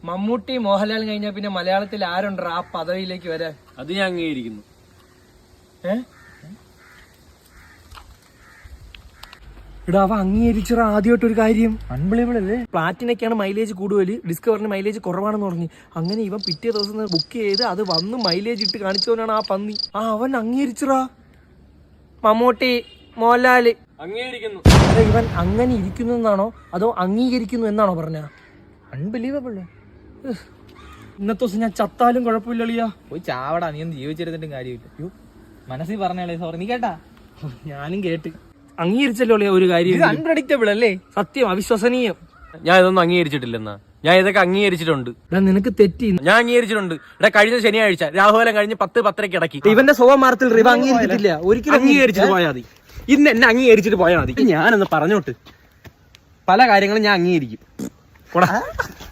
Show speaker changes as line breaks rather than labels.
മമ്മൂട്ടി മോഹൻലാൽ കഴിഞ്ഞാൽ പിന്നെ മലയാളത്തിൽ ആരുണ്ട് ആ പദവിയിലേക്ക് വരാൻ?
അത് ഞാൻ അംഗീകരിക്കുന്നു.
എടാ അവ അംഗീകരിച്ചാ ആദ്യമായിട്ടൊരു കാര്യം. അൺബിലീവബിൾ അല്ലേ? പ്ലാറ്റിനൊക്കെയാണ് മൈലേജ് കൂടുതൽ, ഡിസ്കവറിന് മൈലേജ് കുറവാണെന്ന് പറഞ്ഞു. അങ്ങനെ ഇവൻ പിറ്റേ ദിവസം ബുക്ക് ചെയ്ത് അത് വന്ന് മൈലേജ് ഇട്ട് കാണിച്ചവനാണ് ആ പന്നി. അവൻ അംഗീകരിച്ചറാ. മമ്മൂട്ടി മോഹൻലാല്
അംഗീകരിക്കുന്നു.
അതെ, ഇവൻ അങ്ങനെ ഇരിക്കുന്നു എന്നാണോ അതോ അംഗീകരിക്കുന്നു എന്നാണോ പറഞ്ഞ? അൺബിലീവബിൾ. ഇന്നത്തെ ദിവസം ഞാൻ ചത്താലും കുഴപ്പമില്ലളിയാ.
പോയി ചാവടാ, നീ ഒന്ന് ജീവിച്ചിരുന്നിട്ടും കാര്യമില്ല. മനസ്സിൽ പറഞ്ഞേ സോറി. നീ കേട്ടാ?
ഞാനും കേട്ട്. അംഗീകരിച്ചല്ലോ ഒരു കാര്യം.
അൺപ്രഡിക്റ്റബിൾ അല്ലേ?
സത്യം, അവിശ്വസനീയം.
ഞാൻ ഇതൊന്നും അംഗീകരിച്ചിട്ടില്ലെന്നാ. ഞാൻ ഇതൊക്കെ അംഗീകരിച്ചിട്ടുണ്ട്.
നിനക്ക് തെറ്റി.
ഞാൻ അംഗീകരിച്ചിട്ടുണ്ട്. ഇവിടെ കഴിഞ്ഞ ശനിയാഴ്ച രാഹുലം കഴിഞ്ഞ് 10:10 ഇടയ്ക്ക്
ഇവന്റെ സ്വഭാവത്തിൽ റിവ അംഗീകരിച്ചിട്ടില്ല. ഒരിക്കലും
അംഗീകരിച്ചിട്ട് പോയാൽ മതി. ഇന്ന് എന്നെ അംഗീകരിച്ചിട്ട് പോയാൽ മതി. ഞാനൊന്ന് പറഞ്ഞോട്ട് പല കാര്യങ്ങളും ഞാൻ അംഗീകരിക്കും.